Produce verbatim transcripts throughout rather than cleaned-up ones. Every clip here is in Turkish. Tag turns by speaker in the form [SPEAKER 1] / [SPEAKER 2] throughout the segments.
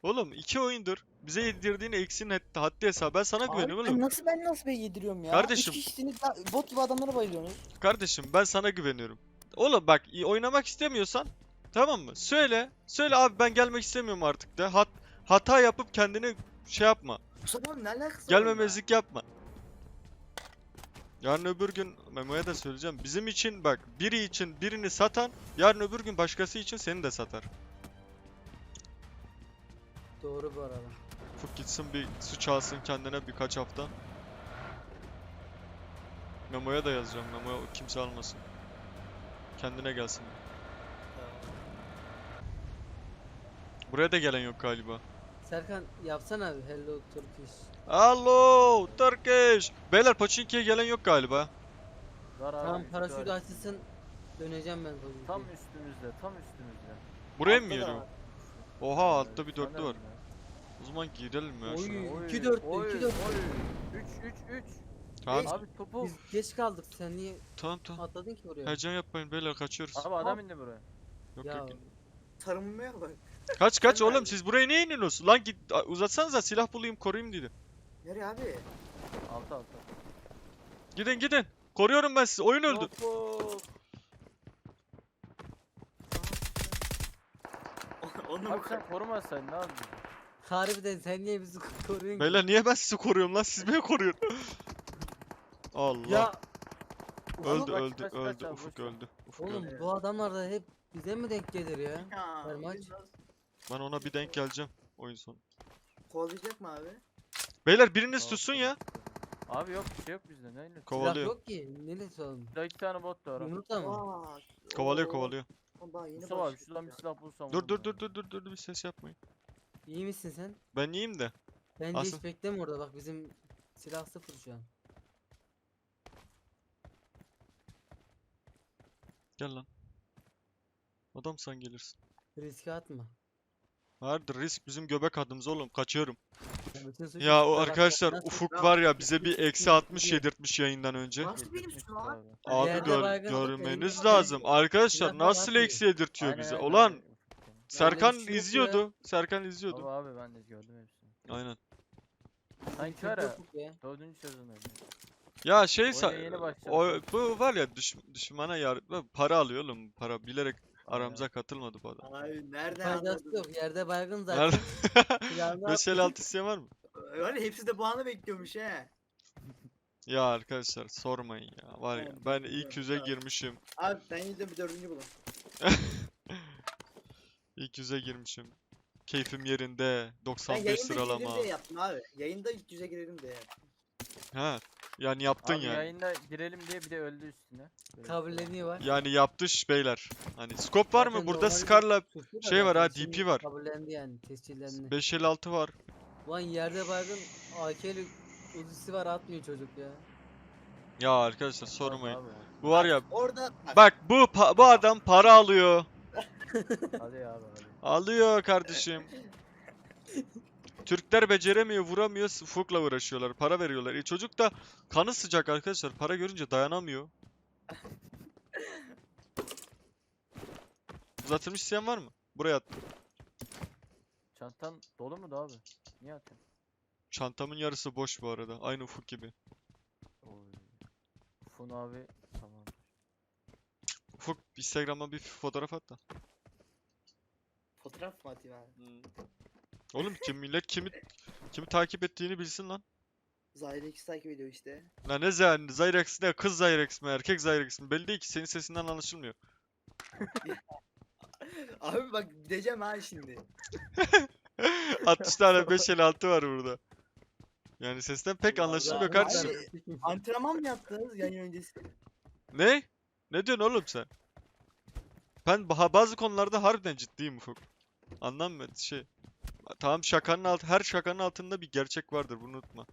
[SPEAKER 1] Oğlum iki oyundur bize yedirdiğin eksinin had- haddi hesabı. Ben sana
[SPEAKER 2] Abi
[SPEAKER 1] güveniyorum
[SPEAKER 2] ben
[SPEAKER 1] oğlum.
[SPEAKER 2] nasıl ben nasıl be yediriyorum ya?
[SPEAKER 1] Kardeşim.
[SPEAKER 2] Üç kişisiniz daha bot gibi adamlara bayılıyorsunuz.
[SPEAKER 1] Kardeşim ben sana güveniyorum. Oğlum bak i- oynamak istemiyorsan tamam mı? Söyle. Söyle abi ben gelmek istemiyorum artık de. Hat hata yapıp kendini şey yapma.
[SPEAKER 3] Mustafa abi ne alakası var
[SPEAKER 1] Gelmemezlik yapma. Yarın öbür gün Memo'ya da söyleyeceğim. Bizim için bak biri için birini satan yarın öbür gün başkası için seni de satar.
[SPEAKER 2] Doğru bu arada.
[SPEAKER 1] Ufuk gitsin bir su çalsın kendine birkaç hafta. Memo'ya da yazacağım. Memo'ya kimse almasın. Kendine gelsin. Buraya da gelen yok galiba.
[SPEAKER 4] Serkan yapsana bir Hello Turkish.
[SPEAKER 1] Hello Turkish. Beyler Pochinki'ye gelen yok galiba.
[SPEAKER 5] Var abi.
[SPEAKER 4] Tamam
[SPEAKER 5] üstü
[SPEAKER 4] paraşütü
[SPEAKER 5] var.
[SPEAKER 4] açılsın. Döneceğim ben Pochinki'ye.
[SPEAKER 5] Tam üstümüzde, tam üstümüzde.
[SPEAKER 1] Buraya mı
[SPEAKER 3] Altta da
[SPEAKER 1] geliyor?
[SPEAKER 3] var.
[SPEAKER 1] Oha altta bir dörtlü
[SPEAKER 5] Sanırım
[SPEAKER 1] var.
[SPEAKER 5] ya.
[SPEAKER 1] O zaman girelim ya
[SPEAKER 4] Oy.
[SPEAKER 1] şuna.
[SPEAKER 4] iki dörtlü,
[SPEAKER 5] oy,
[SPEAKER 4] iki dörtlü.
[SPEAKER 5] oy. üç üç üç.
[SPEAKER 1] Tamam
[SPEAKER 5] Abi topu.
[SPEAKER 4] Biz geç kaldık. Sen niye
[SPEAKER 1] tamam tamam.
[SPEAKER 4] atladın ki buraya?
[SPEAKER 1] Heyecan yapmayın beyler kaçıyoruz.
[SPEAKER 5] Abi adam indi buraya.
[SPEAKER 1] Yok
[SPEAKER 4] Ya
[SPEAKER 1] yok.
[SPEAKER 3] Sarılmaya bak.
[SPEAKER 1] Kaç kaç
[SPEAKER 3] Sen
[SPEAKER 1] oğlum
[SPEAKER 3] nerede?
[SPEAKER 1] siz buraya niye iniyorsunuz? Lan git a- uzatsanıza silah bulayım koruyayım dedi.
[SPEAKER 3] Nereye abi?
[SPEAKER 5] Altı altı.
[SPEAKER 1] Gidin gidin. Koruyorum ben sizi. Oyun öldü.
[SPEAKER 5] Topu.
[SPEAKER 3] Onu mu
[SPEAKER 5] Abi sen korumasaydın ne yapacaksın?
[SPEAKER 4] Harbiden sen niye bizi koruyorsun ki?
[SPEAKER 1] Beyler niye ben sizi koruyorum lan? Siz beni koruyorsun. Allah.
[SPEAKER 4] Ya
[SPEAKER 1] öldü
[SPEAKER 5] Kaç,
[SPEAKER 1] öldü
[SPEAKER 5] kaç, kaç
[SPEAKER 1] öldü.
[SPEAKER 5] abi,
[SPEAKER 1] Ufuk
[SPEAKER 5] boş ver.
[SPEAKER 1] öldü. Ufuk
[SPEAKER 4] oğlum
[SPEAKER 1] öldü.
[SPEAKER 4] bu adamlar da hep bize mi denk gelir ya?
[SPEAKER 3] Ya,
[SPEAKER 4] Her maç.
[SPEAKER 3] biraz
[SPEAKER 1] Ben ona bir denk geleceğim oyun sonu.
[SPEAKER 3] Kovalayacak mı abi?
[SPEAKER 1] Beyler biriniz
[SPEAKER 5] Tamam,
[SPEAKER 1] tutsun
[SPEAKER 5] tamam.
[SPEAKER 1] ya.
[SPEAKER 5] Abi yok bir şey yok bizde. Neyle?
[SPEAKER 4] Silah
[SPEAKER 1] Kovalıyor.
[SPEAKER 4] yok ki. Neresi oğlum?
[SPEAKER 5] Burada iki tane bot da var.
[SPEAKER 4] Yumurta mı?
[SPEAKER 3] Aa,
[SPEAKER 1] Kovalıyor
[SPEAKER 3] oo,
[SPEAKER 1] kovalıyor.
[SPEAKER 3] Daha yeni
[SPEAKER 5] Mustafa abi
[SPEAKER 3] başladık
[SPEAKER 5] şuradan bir
[SPEAKER 3] ya.
[SPEAKER 5] silah bulsam.
[SPEAKER 1] Dur
[SPEAKER 5] olur
[SPEAKER 1] dur
[SPEAKER 5] mu
[SPEAKER 1] dur
[SPEAKER 5] ya?
[SPEAKER 1] dur dur dur bir ses yapmayın.
[SPEAKER 4] İyi misin sen?
[SPEAKER 1] Ben iyiyim de.
[SPEAKER 4] Bence
[SPEAKER 1] Asıl-
[SPEAKER 4] hiç bekleme orada bak bizim silah sıfır şu an.
[SPEAKER 1] Gel lan. Adamsan gelirsin.
[SPEAKER 4] Riske atma.
[SPEAKER 1] Vardır risk bizim göbek adımız oğlum kaçıyorum.
[SPEAKER 4] Ya bütün suçu
[SPEAKER 1] Ya o
[SPEAKER 4] size
[SPEAKER 1] arkadaşlar
[SPEAKER 4] bakmaktan
[SPEAKER 1] Ufuk
[SPEAKER 3] Ya,
[SPEAKER 1] var ya bize bir
[SPEAKER 4] hiç
[SPEAKER 1] eksi
[SPEAKER 4] sıkıntı
[SPEAKER 1] altmış
[SPEAKER 4] değil.
[SPEAKER 1] yedirtmiş yayından önce.
[SPEAKER 3] Nasıl benim
[SPEAKER 5] Yetmiş
[SPEAKER 3] üstüme lan?
[SPEAKER 5] abi.
[SPEAKER 1] Abi
[SPEAKER 4] Yerde
[SPEAKER 1] gör,
[SPEAKER 4] baygın atıp
[SPEAKER 1] görmeniz
[SPEAKER 4] elinde
[SPEAKER 1] lazım.
[SPEAKER 4] bakıyor.
[SPEAKER 1] Arkadaşlar
[SPEAKER 4] Silahla
[SPEAKER 1] nasıl
[SPEAKER 4] bakmıyor.
[SPEAKER 1] eksi yedirtiyor
[SPEAKER 5] Aynen,
[SPEAKER 1] bize?
[SPEAKER 5] aynen,
[SPEAKER 1] Ulan
[SPEAKER 5] aynen.
[SPEAKER 1] Serkan
[SPEAKER 4] bir şey yok ya.
[SPEAKER 1] izliyordu. Serkan izliyordu.
[SPEAKER 5] Abi abi ben de gördüm hepsini.
[SPEAKER 1] Aynen.
[SPEAKER 5] Sanki var
[SPEAKER 4] Çok
[SPEAKER 5] ya
[SPEAKER 4] yok ya.
[SPEAKER 5] dördüncü sezondaydı.
[SPEAKER 1] Ya şey
[SPEAKER 5] Oyuna
[SPEAKER 1] sa-
[SPEAKER 5] yeni başladı
[SPEAKER 1] o,
[SPEAKER 5] sanki.
[SPEAKER 1] bu var ya düş, düşmana yar para alıyor oğlum para bilerek
[SPEAKER 5] Aynen.
[SPEAKER 1] aramıza katılmadı bu adam.
[SPEAKER 3] Abi nereden
[SPEAKER 4] Faydası
[SPEAKER 3] anladın?
[SPEAKER 4] yok. Yerde baygın
[SPEAKER 1] Nerede?
[SPEAKER 4] zaten. Silahını
[SPEAKER 1] beş el altı isteyen var mı?
[SPEAKER 3] Öyle hepsi de bu anı bekliyormuş he.
[SPEAKER 1] Ya arkadaşlar sormayın ya. Var ya
[SPEAKER 3] Tamam,
[SPEAKER 1] ben
[SPEAKER 3] tamam,
[SPEAKER 1] ilk yüze
[SPEAKER 3] tamam.
[SPEAKER 1] girmişim.
[SPEAKER 3] Abi ben yine de bir dördüncü bulun.
[SPEAKER 1] İlk yüze girmişim. Keyfim yerinde.
[SPEAKER 3] Ben
[SPEAKER 1] doksan beş
[SPEAKER 3] yayında
[SPEAKER 1] sıralama.
[SPEAKER 3] girelim diye yaptım abi. Yayında ilk yüze girelim diye yaptım.
[SPEAKER 1] Ha. Yani yaptın
[SPEAKER 5] Abi
[SPEAKER 1] yani.
[SPEAKER 5] yayında girelim diye bir de öldü üstüne. Böyle
[SPEAKER 4] Kabulleniyor var.
[SPEAKER 1] Yani yaptı iş beyler. Hani scope var mı?
[SPEAKER 4] Zaten
[SPEAKER 1] Burada
[SPEAKER 4] normalde
[SPEAKER 1] Scar'la
[SPEAKER 4] suçlu da
[SPEAKER 1] şey var ha,
[SPEAKER 4] zaten,
[SPEAKER 1] D P
[SPEAKER 4] şimdi
[SPEAKER 1] var.
[SPEAKER 4] Kabullendi yani tescillendi.
[SPEAKER 1] beş el altı var.
[SPEAKER 4] Lan yerde baygın A K'li uzisi var atmıyor çocuk ya.
[SPEAKER 1] Ya arkadaşlar
[SPEAKER 5] Olmaz
[SPEAKER 1] sormayın.
[SPEAKER 5] abi.
[SPEAKER 1] Bu var ya
[SPEAKER 3] Orada
[SPEAKER 1] bak bu pa- bu adam para alıyor.
[SPEAKER 5] Hadi abi hadi.
[SPEAKER 1] Alıyor kardeşim. Türkler beceremiyor, vuramıyor, Ufuk'la uğraşıyorlar, para veriyorlar. E çocuk da kanı sıcak arkadaşlar. Para görünce dayanamıyor. Uzatılmış isteyen var mı? Buraya at.
[SPEAKER 5] Çantan dolu mu da abi? Niye atıyorsun?
[SPEAKER 1] Çantamın yarısı boş bu arada. Aynı Ufuk gibi.
[SPEAKER 5] Oy. Fun abi tamam.
[SPEAKER 1] Ufuk Instagram'a bir fotoğraf at da.
[SPEAKER 3] fotoğraf mı atayım abi?
[SPEAKER 1] Oğlum kim millet kimi kimi takip ettiğini bilsin lan.
[SPEAKER 3] Zahide ikisi takip ediyor işte.
[SPEAKER 1] Lan ne Zyrex, Zyrex ne? Kız Zyrex mi? Erkek Zyrex mi? Belli değil ki. Senin sesinden anlaşılmıyor.
[SPEAKER 3] Abi bak gideceğim ha şimdi.
[SPEAKER 1] altmış tane beş el altı var burada. Yani sesten pek
[SPEAKER 3] Allah
[SPEAKER 1] anlaşılmıyor
[SPEAKER 3] Allah.
[SPEAKER 1] kardeşim.
[SPEAKER 3] Abi, antrenman mı yaptınız yayın öncesi?
[SPEAKER 1] Ne? Ne diyorsun oğlum sen? Ben ba- bazı konularda harbiden ciddiyim Ufuk. Anlam mı? Şey. Tamam şakanın alt her şakanın altında bir gerçek vardır bunu unutma.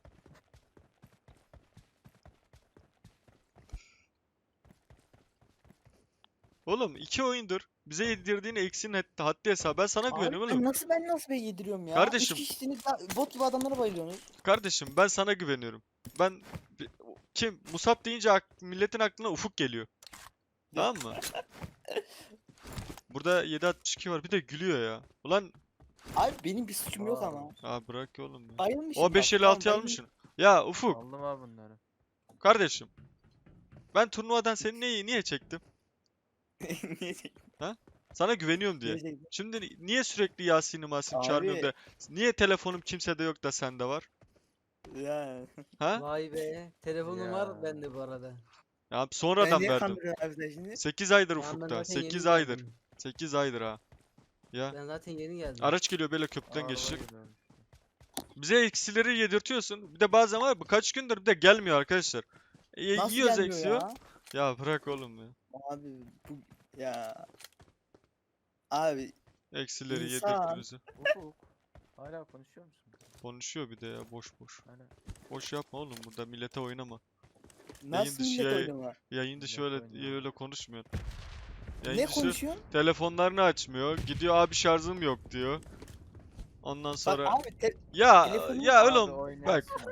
[SPEAKER 1] Oğlum iki oyundur bize yedirdiğin eksinin had- haddi hesabı. Ben sana
[SPEAKER 2] Abi
[SPEAKER 1] güveniyorum
[SPEAKER 2] ben
[SPEAKER 1] oğlum.
[SPEAKER 2] nasıl ben nasıl be yediriyorum ya?
[SPEAKER 1] Kardeşim.
[SPEAKER 2] Üç kişisiniz daha bot gibi adamlara bayılıyorsunuz.
[SPEAKER 1] Kardeşim ben sana güveniyorum. Ben bi- kim Musab deyince ak- milletin aklına Ufuk geliyor. Tamam mı? Burada yedi altmış iki var. Bir de gülüyor ya. Ulan
[SPEAKER 2] Abi benim bir suçum yok
[SPEAKER 5] Aa.
[SPEAKER 2] ama.
[SPEAKER 1] Aa bırak oğlum ya.
[SPEAKER 2] Bayılmışım
[SPEAKER 1] O
[SPEAKER 2] bak,
[SPEAKER 1] beş elli
[SPEAKER 2] tamam,
[SPEAKER 1] altıyı
[SPEAKER 2] bayılmışım.
[SPEAKER 1] almışsın. Ya Ufuk
[SPEAKER 5] Aldım abi bunları.
[SPEAKER 1] kardeşim. Ben turnuvadan seni niye, niye çektim?
[SPEAKER 2] Niye çektin?
[SPEAKER 1] Sana güveniyorum diye.
[SPEAKER 2] Niye çektin?
[SPEAKER 1] Şimdi ni- niye sürekli Yasin'i Masim çağırmıyorum
[SPEAKER 2] Abi.
[SPEAKER 1] da niye telefonum kimsede yok da sende var?
[SPEAKER 2] Ya.
[SPEAKER 1] Ha?
[SPEAKER 4] Vay be. Telefonum
[SPEAKER 5] Ya.
[SPEAKER 4] var bende bu arada.
[SPEAKER 1] Ya
[SPEAKER 2] Ben
[SPEAKER 1] sonradan
[SPEAKER 2] niye
[SPEAKER 1] verdim.
[SPEAKER 2] kandırıyorum abi sen şimdi?
[SPEAKER 1] sekiz aydır
[SPEAKER 4] Tamam, ben
[SPEAKER 1] Ufuk'ta.
[SPEAKER 4] zaten yeni
[SPEAKER 1] sekiz aydır.
[SPEAKER 4] geldim.
[SPEAKER 1] sekiz aydır ha. Ya.
[SPEAKER 4] Ben zaten yeni geldim.
[SPEAKER 1] Araç geliyor böyle köprüden
[SPEAKER 5] Araba
[SPEAKER 1] geçecek.
[SPEAKER 5] geliyor.
[SPEAKER 1] Bize eksileri yedirtiyorsun. Bir de bazen var ya, bu kaç gündür bir de gelmiyor arkadaşlar. E,
[SPEAKER 2] Nasıl
[SPEAKER 1] yiyoruz
[SPEAKER 2] gelmiyor
[SPEAKER 1] eksiyor.
[SPEAKER 2] ya?
[SPEAKER 1] Ya bırak oğlum ya.
[SPEAKER 2] Abi bu ya. Abi
[SPEAKER 1] Eksileri
[SPEAKER 2] İnsan.
[SPEAKER 1] yedirtti bize.
[SPEAKER 5] Ufuk. Hala konuşuyor musun?
[SPEAKER 1] Konuşuyor bir de ya boş boş.
[SPEAKER 5] Hala.
[SPEAKER 1] Boş yapma oğlum burada millete oynama.
[SPEAKER 2] nasıl
[SPEAKER 1] dışı
[SPEAKER 2] millet
[SPEAKER 1] yayın-
[SPEAKER 2] oynama?
[SPEAKER 1] Yayın dışı
[SPEAKER 5] Millet
[SPEAKER 1] öyle
[SPEAKER 5] oynuyor.
[SPEAKER 1] öyle konuşmuyorsun. Yayın
[SPEAKER 2] Ne
[SPEAKER 1] dışı
[SPEAKER 2] konuşuyorsun?
[SPEAKER 1] telefonlarını açmıyor. Gidiyor abi şarjım yok diyor. Ondan
[SPEAKER 2] Bak
[SPEAKER 1] sonra
[SPEAKER 2] abi te-
[SPEAKER 1] ya
[SPEAKER 2] telefonum-
[SPEAKER 1] ya
[SPEAKER 5] Abi
[SPEAKER 1] oğlum bak
[SPEAKER 5] oynarsın ya.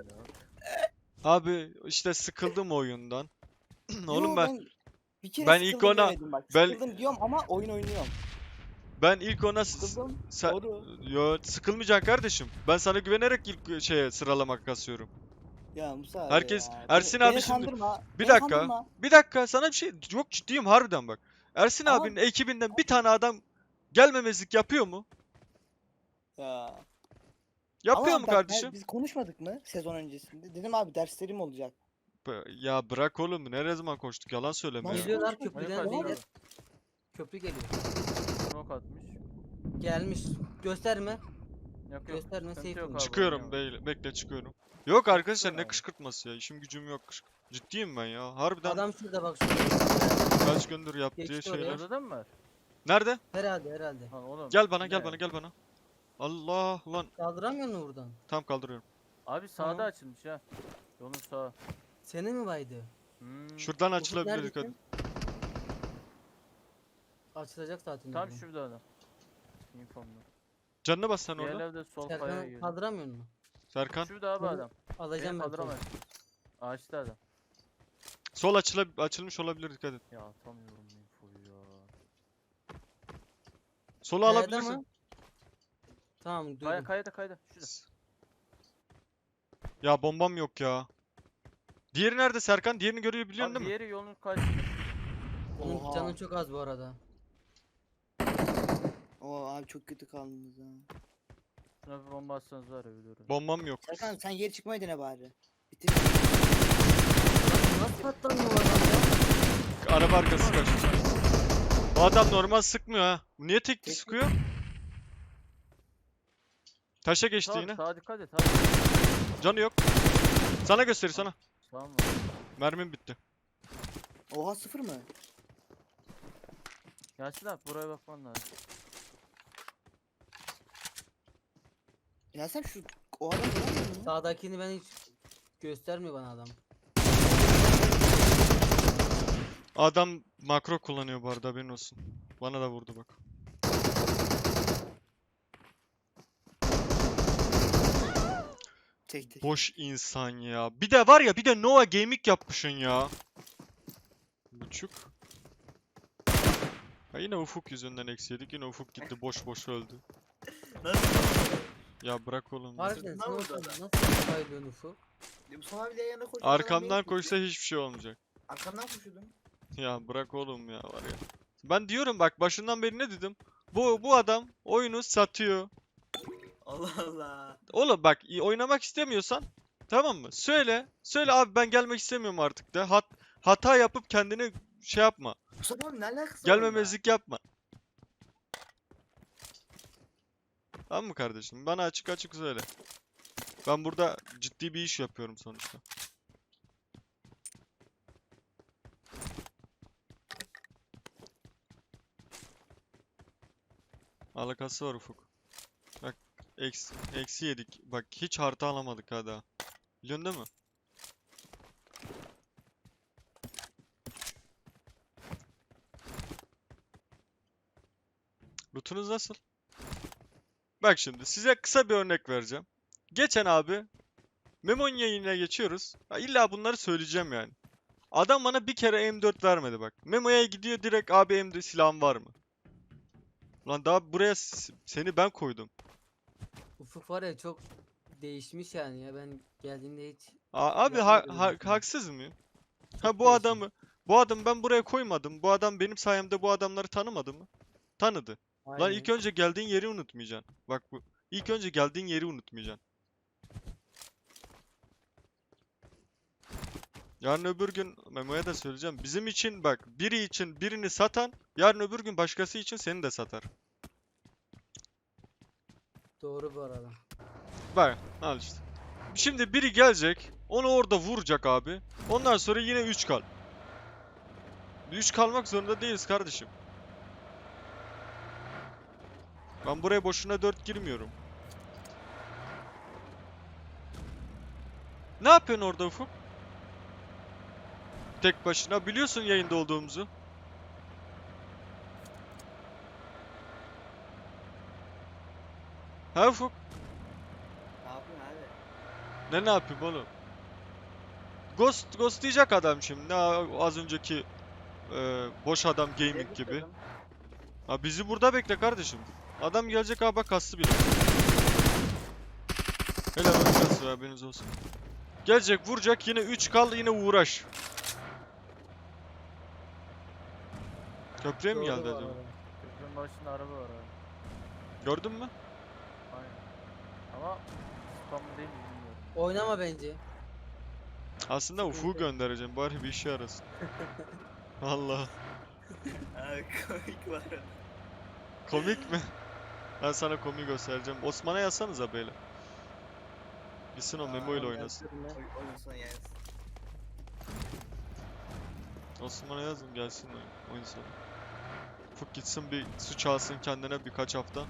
[SPEAKER 1] abi işte sıkıldım oyundan. Oğlum
[SPEAKER 2] Yo,
[SPEAKER 1] ben
[SPEAKER 2] bir kere
[SPEAKER 1] ben ilk
[SPEAKER 2] sıkıldım
[SPEAKER 1] ona-
[SPEAKER 2] demedim bak.
[SPEAKER 1] ben-
[SPEAKER 2] Sıkıldım diyorum ama oyun oynuyorum.
[SPEAKER 1] ben ilk ona s-
[SPEAKER 2] Sıkıldım.
[SPEAKER 1] sen
[SPEAKER 2] Doğru.
[SPEAKER 1] yo sıkılmayacaksın kardeşim. Ben sana güvenerek ilk şeye sıralama kasıyorum.
[SPEAKER 2] Ya Musa abi
[SPEAKER 1] Herkes-
[SPEAKER 2] ya.
[SPEAKER 1] Ersin
[SPEAKER 2] beni,
[SPEAKER 1] abi
[SPEAKER 2] beni
[SPEAKER 1] şimdi-
[SPEAKER 2] kandırma.
[SPEAKER 1] Bir
[SPEAKER 2] beni
[SPEAKER 1] dakika.
[SPEAKER 2] kandırma.
[SPEAKER 1] Bir dakika sana bir şey yok ciddiyim harbiden bak. Ersin
[SPEAKER 2] Ama-
[SPEAKER 1] abinin ekibinden bir tane adam gelmemezlik yapıyor mu?
[SPEAKER 2] Ya.
[SPEAKER 1] Yapıyor
[SPEAKER 2] Ama
[SPEAKER 1] mu
[SPEAKER 2] bak,
[SPEAKER 1] kardeşim?
[SPEAKER 2] ben- biz konuşmadık mı sezon öncesinde? Dedim abi derslerim olacak.
[SPEAKER 1] B- Ya bırak oğlum ne zaman koştuk yalan söyleme
[SPEAKER 2] Nasıl
[SPEAKER 1] ya.
[SPEAKER 4] Geliyorlar
[SPEAKER 2] konuşmadık?
[SPEAKER 4] köprüden
[SPEAKER 5] Manyak
[SPEAKER 4] beyler.
[SPEAKER 5] abi.
[SPEAKER 4] Köprü geliyor.
[SPEAKER 5] Smoke atmış.
[SPEAKER 4] Gelmiş. Gösterme.
[SPEAKER 5] Yok yok.
[SPEAKER 4] Gösterme,
[SPEAKER 5] sıkıntı
[SPEAKER 4] safe
[SPEAKER 5] yok
[SPEAKER 4] oyun.
[SPEAKER 5] abi,
[SPEAKER 1] Çıkıyorum
[SPEAKER 5] oynayalım.
[SPEAKER 1] bey, bekle çıkıyorum. Yok arkadaşlar ne
[SPEAKER 5] abi.
[SPEAKER 1] kışkırtması ya işim gücüm yok. kışk- Ciddiyim ben ya. Harbiden
[SPEAKER 4] Adam şurada bak şurada.
[SPEAKER 1] kaç gündür yaptığı
[SPEAKER 4] Geçti oraya.
[SPEAKER 1] şeyler.
[SPEAKER 5] Orada da mı var?
[SPEAKER 1] Nerede?
[SPEAKER 4] Herhalde herhalde.
[SPEAKER 5] Lan oğlum.
[SPEAKER 1] Gel bana gel
[SPEAKER 5] ne?
[SPEAKER 1] bana gel bana. Allah lan
[SPEAKER 4] Kaldıramıyor musun buradan?
[SPEAKER 1] tam kaldırıyorum.
[SPEAKER 5] Abi sağda
[SPEAKER 4] Tamam.
[SPEAKER 5] açılmış ha. Yolun sağı.
[SPEAKER 4] Seni mi baydı?
[SPEAKER 5] Hmm.
[SPEAKER 1] Şuradan
[SPEAKER 4] Ufuk
[SPEAKER 1] açılabilir dikkat.
[SPEAKER 4] neredesin? Açılacak zaten.
[SPEAKER 5] Tam
[SPEAKER 4] oradan.
[SPEAKER 5] şurada adam. Infomda.
[SPEAKER 1] Canına bas sen orada.
[SPEAKER 5] Diğerleri de sol kayaya
[SPEAKER 4] Serkan'ı
[SPEAKER 5] giriyor.
[SPEAKER 4] kaldıramıyor musun?
[SPEAKER 1] Serkan.
[SPEAKER 5] Şurada abi
[SPEAKER 4] Bunu
[SPEAKER 5] adam.
[SPEAKER 4] Alacağım
[SPEAKER 5] Beni
[SPEAKER 4] ben. seni.
[SPEAKER 5] kaldıramaz. Ağaçta adam.
[SPEAKER 1] Sol açıla açılmış olabilir dikkat et.
[SPEAKER 5] Ya atamıyorum infoyu ya.
[SPEAKER 1] Solu
[SPEAKER 4] Kayada
[SPEAKER 1] alabilirsin.
[SPEAKER 4] mı? Tamam duydum.
[SPEAKER 5] Kaya, kayada kayada. Şurada.
[SPEAKER 1] Ya bombam yok ya. Diğeri nerede Serkan? Diğerini görebiliyorsun
[SPEAKER 5] Abi
[SPEAKER 1] değil mi?
[SPEAKER 5] diğeri yolun karşısında.
[SPEAKER 4] Onun
[SPEAKER 2] Oha.
[SPEAKER 4] canı çok az bu arada.
[SPEAKER 2] Oo abi çok kötü kaldınız ha.
[SPEAKER 5] Şuna bir bomba atsanız var ya ölüyorum.
[SPEAKER 1] Bombam yok.
[SPEAKER 2] Serkan sen geri çıkmayı dene bari. Bitir.
[SPEAKER 4] Lan nasıl patlamıyor bu adam ya?
[SPEAKER 1] Araba arkası kaçtı. Bu adam normal sıkmıyor ha. Niye tek
[SPEAKER 2] Tek-
[SPEAKER 1] sıkıyor? Taşa geçti
[SPEAKER 5] Sağ,
[SPEAKER 1] yine.
[SPEAKER 5] sağa dikkat et abi.
[SPEAKER 1] Canı yok. Sana gösterir sana.
[SPEAKER 5] Sağ mı?
[SPEAKER 1] Mermim bitti.
[SPEAKER 2] Oha sıfır mı?
[SPEAKER 5] Yasin abi buraya bakman lazım.
[SPEAKER 2] Ya sen şu o adam göremiyor musun?
[SPEAKER 4] Sağdakini ben hiç göstermiyor bana adam.
[SPEAKER 1] Adam makro kullanıyor bu arada haberin olsun. Bana da vurdu bak.
[SPEAKER 2] Tek tek.
[SPEAKER 1] Boş insan ya. Bir de var ya bir de Nova Gaming yapmışsın ya. Buçuk. Ha yine Ufuk yüzünden eksi yedik. Yine Ufuk gitti boş boş öldü. Ya bırak oğlum. ya.
[SPEAKER 4] Harbiden
[SPEAKER 3] Ne
[SPEAKER 4] sen
[SPEAKER 3] oldu
[SPEAKER 4] nasıl,
[SPEAKER 3] adam?
[SPEAKER 4] nasıl kaydıyorsun Ufuk?
[SPEAKER 3] Musa abiyle yanına koşuyor.
[SPEAKER 1] Arkamdan koşsa hiçbir şey olmayacak.
[SPEAKER 3] Arkamdan koşuyordum.
[SPEAKER 1] Ya bırak oğlum ya var ya. Ben diyorum bak başından beri ne dedim? Bu bu adam oyunu satıyor.
[SPEAKER 3] Allah Allah.
[SPEAKER 1] Oğlum bak i- oynamak istemiyorsan tamam mı? Söyle. Söyle abi ben gelmek istemiyorum artık de. Hat hata yapıp kendini şey yapma.
[SPEAKER 3] Musa abi ne alakası var onunla?
[SPEAKER 1] Gelmemezlik yapma. Tamam mı kardeşim? Bana açık açık söyle. Ben burada ciddi bir iş yapıyorum sonuçta. Alakası var Ufuk. Bak eksi, eksi yedik. Bak hiç harita alamadık ha daha. Biliyorsun değil mi? Lootunuz nasıl? Bak şimdi size kısa bir örnek vereceğim. Geçen abi Memo'nun yayınına geçiyoruz. Ha, illa bunları söyleyeceğim yani. Adam bana bir kere M dört vermedi bak. Memo'ya gidiyor direkt abi M dört silahın var mı? Lan daha buraya s- seni ben koydum.
[SPEAKER 4] Ufuk var ya çok değişmiş yani ya ben geldiğimde hiç
[SPEAKER 1] A- Abi ha-
[SPEAKER 4] yapmıyordu
[SPEAKER 1] ha-
[SPEAKER 4] böyle şeyler.
[SPEAKER 1] haksız mıyım?
[SPEAKER 4] Çok
[SPEAKER 1] Ha bu
[SPEAKER 4] değişmiş.
[SPEAKER 1] adamı bu adamı ben buraya koymadım. Bu adam benim sayemde bu adamları tanımadı mı? Tanıdı. Lan ilk
[SPEAKER 4] Aynen.
[SPEAKER 1] önce geldiğin yeri unutmayacaksın. Bak bu. İlk önce geldiğin yeri unutmayacaksın. Yarın öbür gün Memo'ya da söyleyeceğim. Bizim için bak biri için birini satan yarın öbür gün başkası için seni de satar.
[SPEAKER 4] Doğru bu arada.
[SPEAKER 1] Bak al işte. Şimdi biri gelecek onu orada vuracak abi. Ondan sonra yine üç kal. üç kalmak zorunda değiliz kardeşim. Ben buraya boşuna dört girmiyorum. Ne yapıyorsun orada Ufuk? Tek başına biliyorsun yayında olduğumuzu. Ha Ufuk?
[SPEAKER 3] Ne yapıyorsun abi?
[SPEAKER 1] Ne ne yapayım oğlum? Ghost ghostlayacak adam şimdi. Ne az önceki e, boş adam gaming
[SPEAKER 3] Tebrik
[SPEAKER 1] gibi.
[SPEAKER 3] ederim.
[SPEAKER 1] Ha bizi burada bekle kardeşim. Adam gelecek abi bak kastı bile. Helal olsun kastı haberiniz olsun. Gelecek vuracak yine üç kal yine uğraş. Köprüye mi
[SPEAKER 4] Doğru
[SPEAKER 1] geldi
[SPEAKER 4] bu
[SPEAKER 1] acaba?
[SPEAKER 4] arada.
[SPEAKER 5] Köprünün başında araba var abi.
[SPEAKER 1] Gördün mü?
[SPEAKER 5] Aynen. Ama spam mı değil mi bilmiyorum.
[SPEAKER 4] Oynama bence.
[SPEAKER 1] Aslında Ufuk'u
[SPEAKER 4] Sıkıntı.
[SPEAKER 1] göndereceğim bari bir işe yarasın. Allah.
[SPEAKER 3] Abi komik var.
[SPEAKER 1] Komik mi? Ben sana komik göstereceğim. Osman'a yazsanıza böyle. Gitsin o Memo ile
[SPEAKER 3] Aa,
[SPEAKER 1] oynasın.
[SPEAKER 4] Yazıyorum ben.
[SPEAKER 3] Oy, oyun sonu yani.
[SPEAKER 1] Osman'a yazın gelsin oyun, oyun sonu. Ufuk gitsin bir suç alsın kendine birkaç hafta.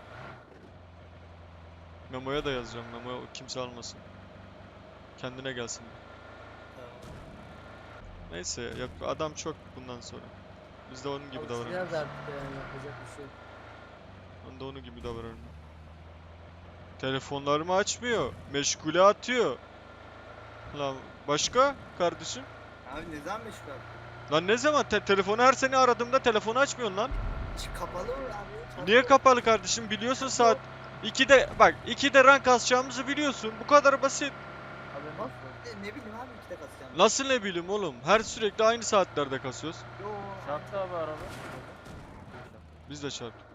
[SPEAKER 1] Memo'ya da yazacağım. Memo'ya kimse almasın. Kendine gelsin.
[SPEAKER 3] Tamam.
[SPEAKER 1] Neyse yap adam çok bundan sonra. Biz de onun gibi
[SPEAKER 4] Alışacağız
[SPEAKER 1] davranıyoruz.
[SPEAKER 4] artık yani yapacak bir şey yok.
[SPEAKER 1] Ben de onun gibi davranıyorum. Telefonlarımı açmıyor. Meşgule atıyor. Lan başka kardeşim?
[SPEAKER 3] Abi ne zaman meşgul abi?
[SPEAKER 1] Lan ne zaman te- telefonu her seni aradığımda telefonu açmıyorsun lan.
[SPEAKER 3] Hiç kapalı mı abi?
[SPEAKER 1] Niye kapalı kardeşim? Biliyorsun saat ikide bak ikide rank kasacağımızı biliyorsun. Bu kadar basit.
[SPEAKER 5] Haberin
[SPEAKER 3] Bak,
[SPEAKER 5] olsun.
[SPEAKER 3] Ne, ne bileyim abi iki de kasacağım.
[SPEAKER 1] Nasıl ne bileyim oğlum? Her sürekli aynı saatlerde kasıyoruz.
[SPEAKER 3] Yo.
[SPEAKER 5] Çarptı abi araba.
[SPEAKER 1] Biz de çarptık.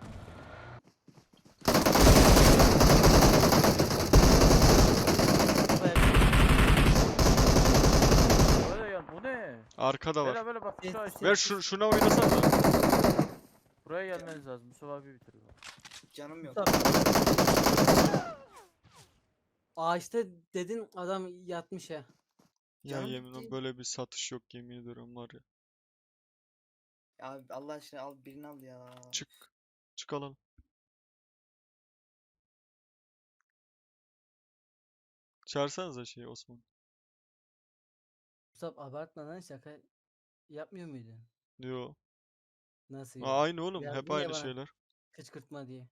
[SPEAKER 5] Böyle ya bu ne?
[SPEAKER 1] Arkada var.
[SPEAKER 5] Böyle böyle bak şu aşağı.
[SPEAKER 1] Ver şu şuna oynasana.
[SPEAKER 5] Buraya gelmeniz lazım. Mustafa abi bitiriyor.
[SPEAKER 3] Canım yok.
[SPEAKER 4] Ağaçta dedin adam yatmış ya.
[SPEAKER 1] Ya
[SPEAKER 3] Canım
[SPEAKER 1] yemin
[SPEAKER 3] gitti.
[SPEAKER 1] böyle bir satış yok yemin ediyorum var ya.
[SPEAKER 3] Abi Allah aşkına al birini al ya.
[SPEAKER 1] Çık. Çık alalım. Çağırsanıza şeyi Osman.
[SPEAKER 4] Mustafa abartma lan şaka yapmıyor muydun?
[SPEAKER 1] Yo.
[SPEAKER 4] Nasıl
[SPEAKER 1] Aa,
[SPEAKER 4] ya?
[SPEAKER 1] aynı oğlum. Hep
[SPEAKER 4] Yazdın ya
[SPEAKER 1] aynı
[SPEAKER 4] bana
[SPEAKER 1] şeyler.
[SPEAKER 4] kışkırtma diye.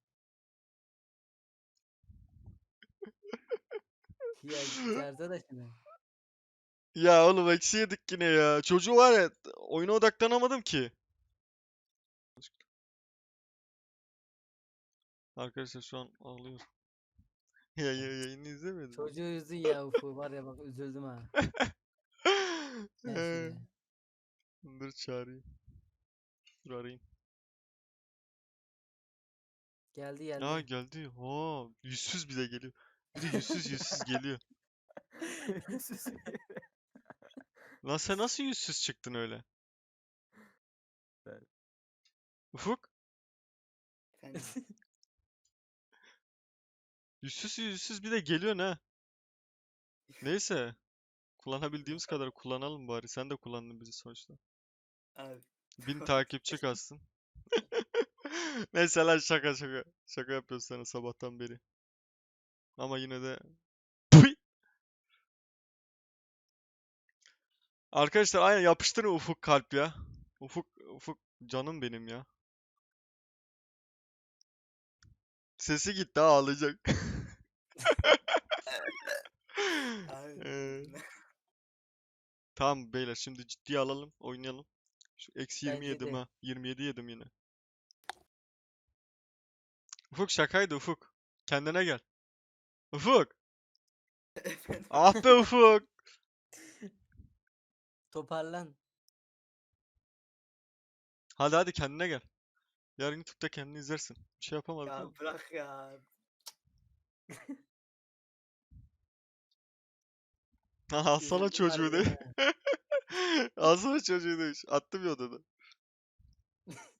[SPEAKER 4] Ya çağırsa da şimdi.
[SPEAKER 1] Ya oğlum eksi yedik yine ya. Çocuğu var ya oyuna odaklanamadım ki. Arkadaşlar şu an ağlıyor. Ya, ya yayını izlemedim.
[SPEAKER 4] Çocuğu üzdün ya Ufu var ya bak üzüldüm ha. Gel şuraya.
[SPEAKER 1] Dur çağırayım. Dur arayayım.
[SPEAKER 4] Geldi geldi.
[SPEAKER 1] Aa geldi. Ha, yüzsüz bir de geliyor. Bir de yüzsüz yüzsüz geliyor. Lan sen nasıl yüzsüz çıktın öyle?
[SPEAKER 5] Ben-
[SPEAKER 1] Ufuk?
[SPEAKER 3] Efendim.
[SPEAKER 1] Yüzsüz yüzsüz bir de geliyor ne? Neyse. Kullanabildiğimiz kadar kullanalım bari. Sen de kullandın bizi sonuçta.
[SPEAKER 3] Abi.
[SPEAKER 1] Bin takipçi kastın. Neyse lan şaka şaka. Şaka yapıyoruz sana sabahtan beri. Ama yine de... Püy! Arkadaşlar aynen yapıştırın Ufuk kalp ya. Ufuk, Ufuk canım benim ya. Sesi gitti ha, ağlayacak.
[SPEAKER 3] Abi.
[SPEAKER 1] Ee, tamam beyler şimdi ciddiye alalım oynayalım. Şu eksi yirmi
[SPEAKER 4] Bence
[SPEAKER 1] yedim
[SPEAKER 4] de.
[SPEAKER 1] ha. yirmi yedi yedim yine. Ufuk şakaydı Ufuk. Kendine gel. Ufuk.
[SPEAKER 3] Efendim.
[SPEAKER 1] Ah be Ufuk.
[SPEAKER 4] Toparlan.
[SPEAKER 1] Hadi hadi kendine gel. Yarın YouTube'da kendini izlersin. Bir şey yapamadık
[SPEAKER 3] Ya
[SPEAKER 1] ama.
[SPEAKER 3] bırak ya.
[SPEAKER 1] Alsana
[SPEAKER 4] Üzüldüm
[SPEAKER 1] çocuğu de.
[SPEAKER 4] harbiden ha.
[SPEAKER 1] Alsana çocuğu demiş. Attım ya odada.